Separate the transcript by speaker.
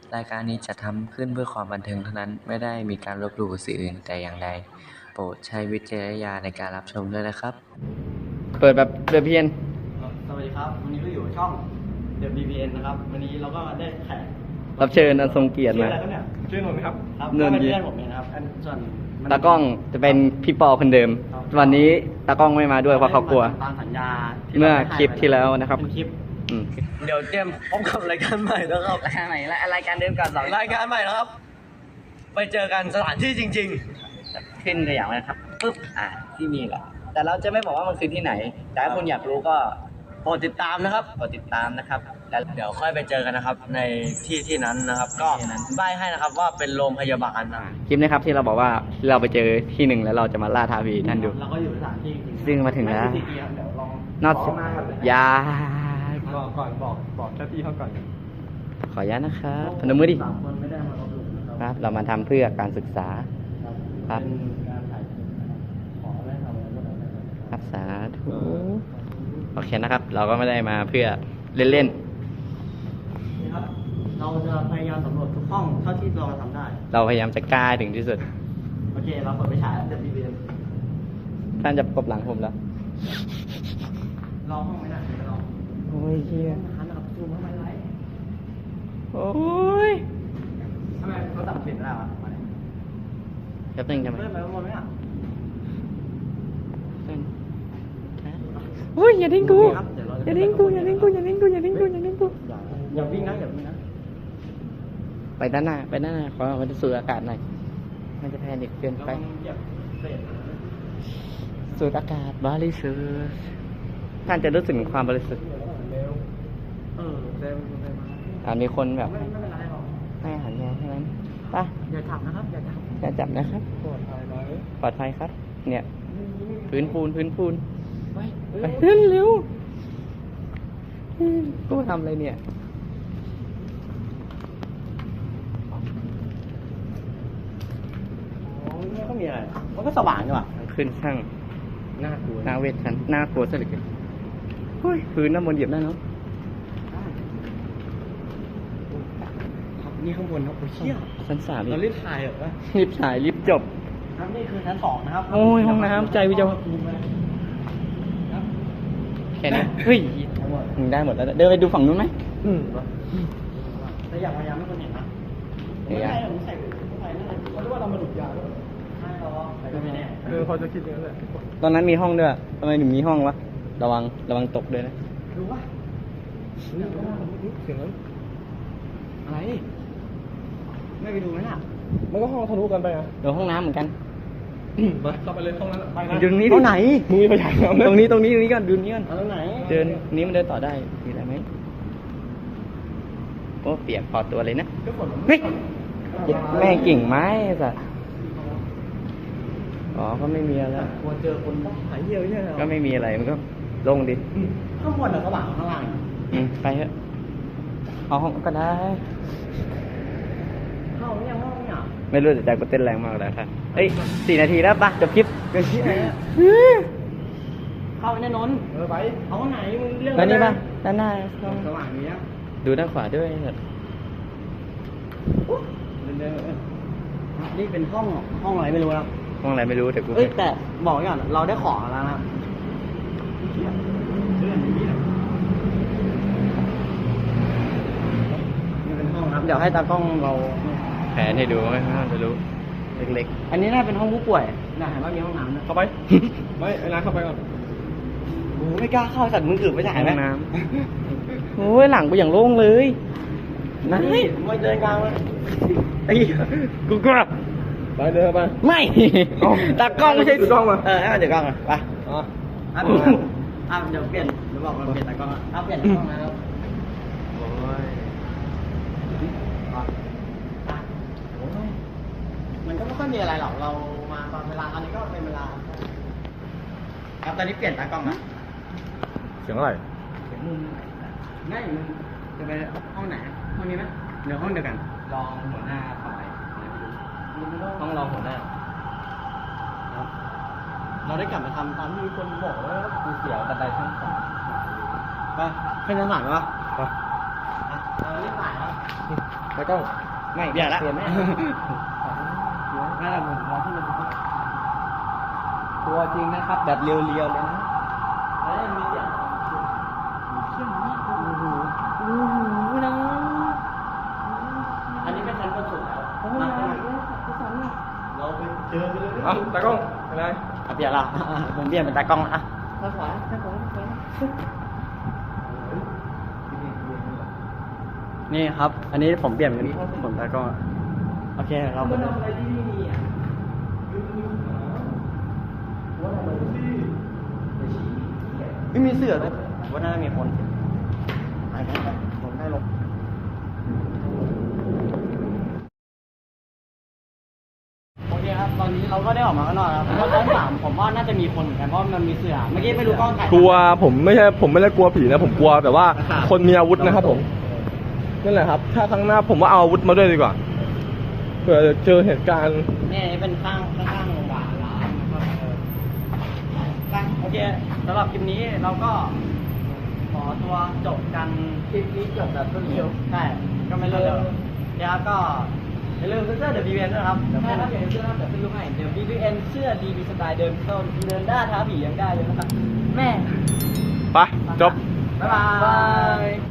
Speaker 1: รายการนี้จัดทำขึ้นเพื่อความบันเทิงเท่านั้น ไม่ได้มีการลบหลู่สื่ออื่นแต่อย่างใด โปรดใช้วิจารณญาณในการรับชมด้วยนะครับ
Speaker 2: เปิดแบบเดือดเพียน
Speaker 3: สวัสดีครับ วันนี้ก็อยู่ช่อง The BBN นะครับ วันนี้เราก็ได้แขก
Speaker 2: รับเชิญอันทรงเกียรติ
Speaker 3: ชื่อ
Speaker 2: มา
Speaker 3: อะไรครับเนี่ย
Speaker 4: ชื่อนนท์ไหมครับ
Speaker 3: ครับ
Speaker 2: น
Speaker 3: ก็
Speaker 2: นท์
Speaker 3: เป็นเพื่อนผมเองนะครับส่วนมัน
Speaker 2: ตากล้องจะเป็นพี่ปอคนเดิม
Speaker 3: ครับ
Speaker 2: วันนี้ตากล้องไม่มาด้วยเพราะเขากลัว
Speaker 3: ตามสัญญา
Speaker 2: เมื่อคลิปที่แล้วนะครับ
Speaker 3: เป็นคลิป
Speaker 2: อืม
Speaker 3: เดี๋ยวเตรียมพบกับรายการใหม่แล้วครับ
Speaker 2: รายการไหนรายการเดิมก่อนสอง
Speaker 3: รายการใหม่แล้วครับ ไปเจอกันสถานที่จริง
Speaker 2: ขึ้นตัวอย่างไว้นะครับปึ๊บที่นี่แหละแต่เราจะไม่บอกว่ามันคือที่ไหน แต่ถ้าคุณอยากรู้ก็
Speaker 3: ๆ โปรดติดตามนะครับ
Speaker 2: กดติดตามนะครับแล้ว
Speaker 3: เดี๋ยวค่อยไปเจอกันนะครับ ในที่นั้นนะครับ ก็ใบให้นะครับว่าเป็นโรงพยาบาลนะ
Speaker 2: คลิปนะครับที่เราบอกว่าเราไปเจอที่หนึ่งแล้วเราจะมาล่าท้าผีท่านดู
Speaker 3: เราก็อยู่สถานที่จริงๆ
Speaker 2: ซึ่งมาถึงแล้ว
Speaker 3: ไม่กี่ครับเดี๋ยวลอง
Speaker 2: นอก
Speaker 3: ขมาครับ
Speaker 2: ยา
Speaker 4: ก่อนบอกเจ้าที่เขาก่อน
Speaker 2: ขออนุญาตนะครับพนมมือดิ
Speaker 3: สามคนไม่ได้มาลบหลู่นะค
Speaker 2: ครับ เรามาทำเพื่อการศึกษา ครับ
Speaker 3: เป็นการถ่ายคลิปนะครับขอไม่ทำอะไรพวกนั้นนะครับ
Speaker 2: ครับสาธุโอเคนะครับ เราก็ไม่ได้มาเพื่อเล่น
Speaker 3: นี่ครับ เราจะพยายามสำรวจทุกห้องเท่าที่เราทำได้
Speaker 2: ๆ เราพยายามจะกล้าให้ถึงที่สุด
Speaker 3: โอเค เราเปิดไปฉายแล้วจะบีเบียน
Speaker 2: ท่านจะประกบหลังผมแล้ว
Speaker 3: รอห้องไม่นานรอ
Speaker 2: โอ้ยเฮีย
Speaker 3: หันนะครับซูมเข้าไปไลฟ์
Speaker 2: โอ้ย
Speaker 3: ทำไมเขาตัดเปลี่ยนได้วะมาเนี่ย
Speaker 2: แป๊บนึงทำไม
Speaker 3: เพิ่มไปข้างบนไหมอ่ะ
Speaker 2: โอ้ยอย่าทิ้งกู
Speaker 3: โอเคครับเดี๋ยวเราจะ
Speaker 2: อย่าทิ้งกูอย่าทิ้งกูอย่าทิ้งกูอย่าทิ้งกูอย่าทิ้งกู
Speaker 3: อย่าวิ่งนะอย่าวิ่งนะ
Speaker 2: ไปด้านหน้าขอมันจะสูดอากาศหน่อยมันจะแพนิคเกิน
Speaker 3: เรา
Speaker 2: ไป
Speaker 3: เหยียบเศษ
Speaker 2: สูดอากาศบริสุทธิ์ท่านจะรู้สึกถึงความบริสุทธิ์
Speaker 3: เร็วเร็วมา
Speaker 2: มีคนแบบ
Speaker 3: ไม่เป็นไรหรอก
Speaker 2: ให้อาหารแมวเท่านั้นไป
Speaker 3: อย่าจับนะครับอย่าจับ
Speaker 2: อย่าจับนะครับ
Speaker 4: ปลอดภัยไหม
Speaker 2: ปลอดภัยครับ เนี่ย พื้นปูน
Speaker 3: ไป
Speaker 2: ไปเร็วเร็วกูทำอะไรเนี่ย
Speaker 3: ไม่ก็มีอะไรมันก็สว่างอยู่อ่ะ
Speaker 2: ขึ้นช่าง
Speaker 3: น่ากลัว
Speaker 2: หน้าเวทชันหน้ากลัวซะเหลือเกินเฮ้ยพื้นน้ำมนต์เหยียบได้เนาะ
Speaker 3: ครับนี่ข้างบนครับโอ้ยเชี่ย
Speaker 2: ชั้นสาม
Speaker 3: เรารีบถ่ายเหรอ
Speaker 2: รีบถ่ายรีบจบ
Speaker 3: ครับนี่คือชั้นสองนะครับ
Speaker 2: โอ้ยห้องน้ำใจวิจารณ์
Speaker 3: ครับ
Speaker 2: แค่นี้เฮ้ยมึงได้หมดแล้วเดินไปดูฝั่งนู้นไหม
Speaker 3: แต่อยากพยายามให้คนเห็นนะ
Speaker 2: เดี๋ยว
Speaker 3: ไม่ใช่ผมใส่นั่นเลยเขาเรียกว่าเรามาดูดยาด้วยใช่เราแต่ก็ไม่แน่
Speaker 4: เขาจะคิดอย่างนั้นแหละ
Speaker 2: ตอนนั้นมีห้องด้วยทำไมถึงมีห้องวะระวังตกด้วยนะ
Speaker 3: รู้ปะ
Speaker 4: เสียงนั้น
Speaker 3: อะไรไม่ไปดูไหมล่ะ
Speaker 4: มันก็ห้องทะลุกันไปอ่ะ
Speaker 2: เดี๋ยวห้องน้ำเหมือนกัน
Speaker 4: ไปเข้าไปเลยห้องนั้นไปนะ
Speaker 2: อยู่ตรงนี้
Speaker 3: ห้องไหน
Speaker 4: มึงมีพยานแล้ว
Speaker 2: ตรงนี้ก่อนดูนี้ก่อน
Speaker 3: เอาตรงไหน
Speaker 2: เดินนี้มันเดินต่อได้มีอะไรไหมโอ้เปียกพอตัวเลยนะ
Speaker 3: ก็ฝนมัน
Speaker 2: เฮ้ยแม่งกิ่งไม้สัสอ๋อก็ไม่มีอะไร
Speaker 3: กลัวเจอคนบ้าหายเยี่ยวเนี่ย
Speaker 2: ก็ไม่มีอะไรมันก็โล่งดิ
Speaker 3: ข้างบนหรือข้างหลังข้างล่าง
Speaker 2: ไปเถอะเอาห้องก็ได้
Speaker 3: เข้าเนี่ยห้องเนี่ย
Speaker 2: ไม่รู้แต่ใจกูเต้นแรงมากเลยครับเฮ้ย4 นาทีแล้วปะจบคลิป
Speaker 3: เกิดที่ไหนอะเข้าไปแน่นอน
Speaker 4: ไป
Speaker 3: เอาไหนมึงเรื่อง
Speaker 2: แล้วนี่ปะด้านหน้า
Speaker 3: สว่างนี้อะ
Speaker 2: ดูด้านขวาด้วยเถอะ
Speaker 3: นี่เป็นห้องอะไรไม่รู้นะ
Speaker 2: ห้องอะไรไม่รู้แต่กู
Speaker 3: เอ้ยแต่บอกไว้ก่อนเราได้ของแล้วนะนี่เป็นห้องครับเดี๋ยวให้ตากล้องเรา
Speaker 2: แผนให้ดูไม่น่าจะรู้เล็ก
Speaker 3: อันนี้น่าเป็นห้องผู้ป่วยนะเห็นว่ามีห้องน้ำนะ
Speaker 4: เข้าไป ไม่ไอ้นายเข้าไปก่อน
Speaker 3: โอ้ไม่กล้าเข้าสัตว์มึงถือไป
Speaker 2: ๆ
Speaker 3: ถ่าย
Speaker 2: ห้
Speaker 3: ไหม
Speaker 2: องน้ำโอ้ยหลังกูอย่างโล่งเลยนะ
Speaker 3: นี่มาเดินกลางเลย
Speaker 2: ไอ้กูกลับ
Speaker 4: ไปเดินไป
Speaker 2: ไม่
Speaker 4: เอ้า
Speaker 2: ตากล้องไม่ใช่
Speaker 4: ถือกล้องมา
Speaker 3: ให้มันเดี๋ยวกล้องอ่ะไป
Speaker 4: อ๋อ
Speaker 3: เดี๋ยวเปลี่ยนเดี๋ยวบอกเราเปลี่ยนตากล้องเปลี่ยนตากล้องนะครับ
Speaker 2: โอ้ย
Speaker 3: มันก็ไม่ค่อยมีอะไรหรอกเรามาตอนเวลาอันนี้ก็เป็นเวลาครับตอนนี้เปลี่ยนตากล้องนะ
Speaker 4: เสียงอะไร
Speaker 3: มุมง่ายมึงจะไปห้องไหนห้องนี้ไหมเดี๋ยวห้องเดียวกัน
Speaker 2: รองหัวหน้าฝ่ายห้องรองหัวหน้า
Speaker 3: เราได้กลับมาทำตามที่มีคนบอกแล้ว
Speaker 2: กูเสียวบันไดชั้นสาม
Speaker 3: ไปขึ้นชั้นหลังวะ
Speaker 4: ไป
Speaker 3: เรารีบถ่ายแล้ว
Speaker 2: ไป
Speaker 4: ตากล้อง
Speaker 3: ไม่เดี๋ยวละ
Speaker 2: เปลี่ยนไหม
Speaker 3: น่าจะผมรอที่มันจะ
Speaker 2: ตัวจริงนะครับ แบบเรียวๆเลยนะ
Speaker 3: แล้วมีเสียงเข้มมากโอ้โหนะอันนี้เป็นชั้นบนสุดแล้วมาข้างในเราไปเจอกันเลย
Speaker 4: เอาตากล้องอะไร
Speaker 3: เปลี่ยนละผมเปลี่ยนเป็นตากล้องละทางขวานี่ครับ อันนี้ผมเปลี่ยนเป็นผมตากล้องโอเคเราไปอะไรที่นี่อ่ะไม่มีเสือเลยว่าน่าจะมีคนไปกันผมได้ลงโอเคครับ ตอนนี้เราก็ได้ออกมาข้างนอกแล้วแล้วชั้นสามผมว่าน่าจะมีคนเหมือนกันเพราะมันมีเสือเมื่อกี้ไม่รู้กล้องถ่าย
Speaker 4: กลัวผมไม่ได้กลัวผีนะผมกลัวแบบว่าคนมีอาวุธนะครับผมนั่นแหละครับ ถ้าครั้งหน้าผมว่าเอาอาวุธมาด้วยดีกว่าเผื่อเจอเหตุการณ์
Speaker 3: นี่เป็นข้างโรงพยาบาลร้านนะครับโอเคสำหรับคลิปนี้เราก็ขอตัวจบกันคลิปนี้จบแบบรวดเร็วใช่ก็ไม่เร็วเดี๋ยวก็อย่าลืมซื้อเสื้อเดี๋ยว BBN ด้วยครับใช่ครับอย่าลืมซื้อนะเดี๋ยวซื้อลูกให้เดี๋ยว BBN เสื้อดีมีสไตล์เดินเข้าเดินได้ท้าผียังได้เลยนะครับแม่
Speaker 4: ไปจบ
Speaker 3: บ๊ายบาย